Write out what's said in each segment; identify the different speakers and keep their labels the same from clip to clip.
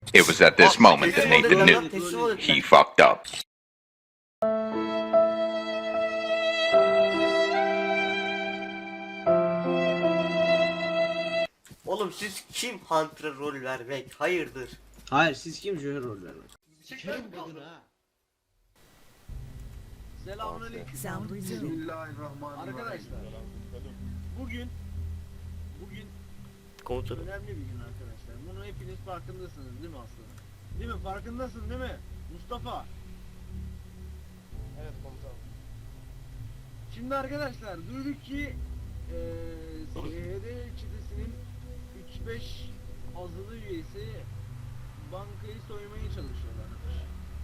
Speaker 1: It was at this moment that Nathan knew he fucked up.
Speaker 2: Oğlum siz kim Hunter'a rol vermek? Hayırdır?
Speaker 3: Hayır siz kim Joker rol vermek? Sikerim kadını ha. Selamünaleyküm.
Speaker 4: Sound resumed.
Speaker 5: Bismillahirrahmanirrahim.
Speaker 3: Arkadaşlar. Bugün
Speaker 2: Komutanım.
Speaker 3: önemli bir gün arkadaşlar. Bunu hepiniz farkındasınız değil mi aslanım? Değil mi? Farkındasın değil mi? Mustafa.
Speaker 5: Evet komutanım.
Speaker 3: Şimdi arkadaşlar duyduk ki SHD çetesinin 3-5 azılı üyesi bankayı soymaya çalışıyorlarmış.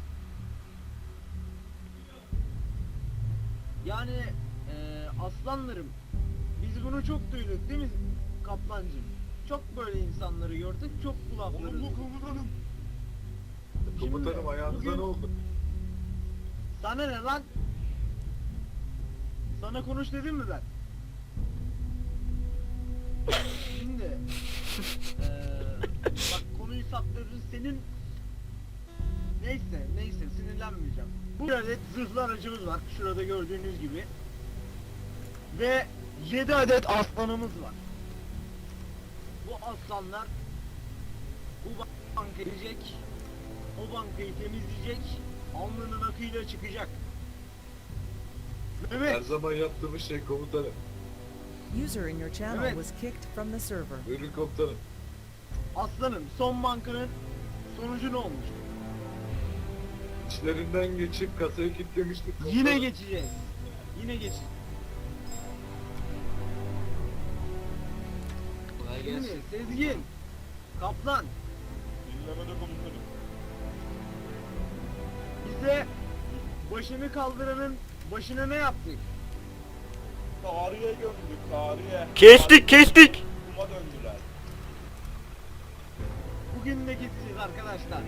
Speaker 3: Yani aslanlarım biz bunu çok duyduk değil mi Kaplancığım? Çok böyle insanları gördük, çok kulakları duyduk.
Speaker 5: Komutanım.
Speaker 3: Şimdi
Speaker 5: Komutanım ayağınıza
Speaker 3: bugün-
Speaker 5: ne oldu?
Speaker 3: Sana ne lan? Sana konuş dedim mi ben? Şimdi bak konuyu saptırırız senin. Neyse sinirlenmeyeceğim. Bu adet zırhlı aracımız var şurada gördüğünüz gibi. Ve 7 adet aslanımız var. Bu aslanlar bu bankaya girecek. O bankayı temizleyecek. Alnının akıyla çıkacak.
Speaker 5: Her
Speaker 3: Mehmet,
Speaker 5: zaman yaptığımız şey komutanım.
Speaker 4: User in your channel
Speaker 3: Evet.
Speaker 4: was kicked from the server.
Speaker 5: Buyurun komutanım.
Speaker 3: aslanım son bankanın sonucu ne olmuş?
Speaker 5: İçlerinden geçip kasayı kilitlemiştik komutanım.
Speaker 3: Yine geçeceğiz. Yine geçeceğiz. Şimdi Sezgin, Kaplan
Speaker 5: Dinlemede komutanım.
Speaker 3: bize başını kaldıranın başına ne yaptık?
Speaker 5: Tarihe gömdük tarihe.
Speaker 2: Kestik.
Speaker 5: Kuma döndüler.
Speaker 3: Bugün de gideceğiz arkadaşlar.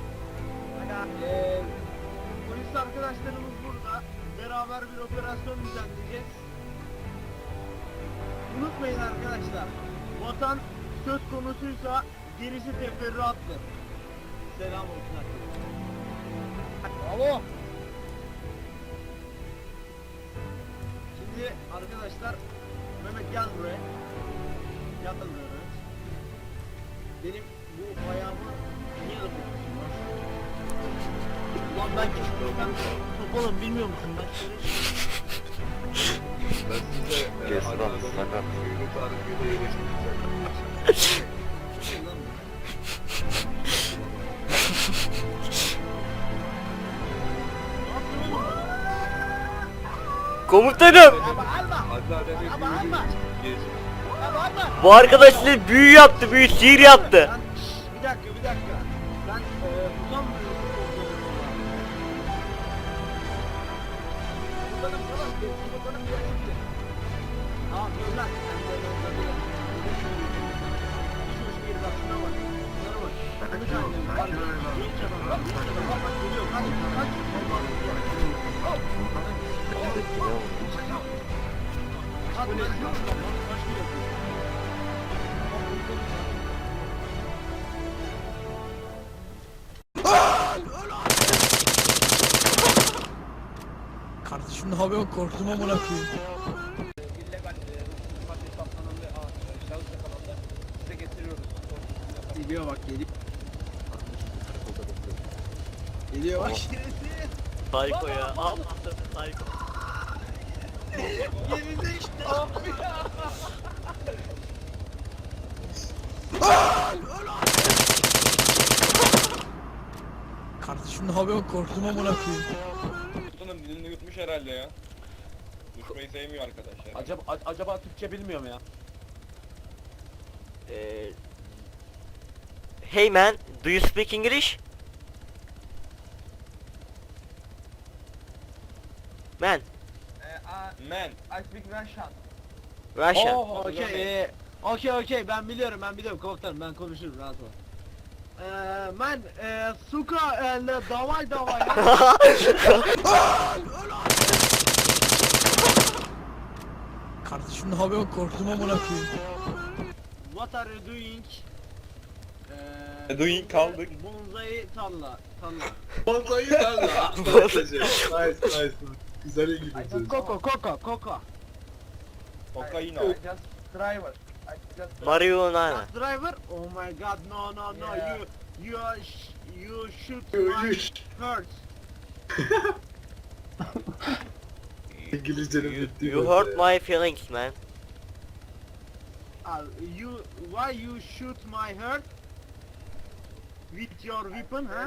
Speaker 3: Polis arkadaşlarımız burada. Beraber bir operasyon düzenleyeceğiz. Unutmayın arkadaşlar. Vatan söz konusuysa gerisi teferruattır. Selam olsun arkadaşlar. Bravo. Şimdi arkadaşlar Mehmet gel buraya. Gel buraya. Benim bu ayağımı niye ısırıyorsun lan? Ulan ben küçüktüm ben topalım bilmiyor musun ben?
Speaker 5: Ben size
Speaker 1: Kes lan,
Speaker 5: Adana'nın
Speaker 1: sakat.
Speaker 5: suyunu tarifiyle iyileştireceğim.
Speaker 2: Komutanım.
Speaker 5: Anneannemi büyülü gez.
Speaker 2: Bu arkadaş size büyü yaptı, sihir yaptı.
Speaker 3: Ben, bir dakika. Ben utanmıyorum. Utanım falan. Utanım gerekli. Tamam dur lan. Sen de dur. Hiç hoş değil bak şuna bak. Şuna bak. Konuş annem. Var ya. Genç adam. Genç adam. Bak geliyor. Kaç. At lan. Kaç geliyor.
Speaker 6: Kardeşim ne yapıyorsun? Korktum amına koyayım.
Speaker 3: Geliyor bak geliyor. Geliyor bak.
Speaker 2: Psycho ya. Al Psycho.
Speaker 6: Kardeşim ne yapıyorsun? Korktum amına koyayım.
Speaker 5: Komutanım dilini yutmuş herhalde ya. Düşmeyi sevmiyor arkadaşlar.
Speaker 7: Acaba Türkçe bilmiyor mu ya?
Speaker 2: Hey man, do you speak English? Man,
Speaker 5: Man.
Speaker 7: I speak Russian.
Speaker 2: Russia.
Speaker 3: Oh, okey ben biliyorum komutanım ben konuşurum rahat ol. Ben suka davay
Speaker 6: Kardeşim ne yapıyorsun? Korktum amına koyayım.
Speaker 3: What are you doing?
Speaker 5: Doing kaldık.
Speaker 3: Bonsai tarla.
Speaker 8: Bonsai tarla. Nice nice. Güzel İngilizce.
Speaker 3: Koko.
Speaker 5: Kokaino.
Speaker 7: I just driver. I just
Speaker 2: Marihuana.
Speaker 3: Truck driver? Oh my god, no,
Speaker 7: Yeah.
Speaker 3: you shoot my heart.
Speaker 8: İngilizcenin bittiği
Speaker 2: You
Speaker 8: nokta
Speaker 2: hurt
Speaker 8: ya.
Speaker 2: my feelings man.
Speaker 3: Why you shoot my heart? With your weapon, huh?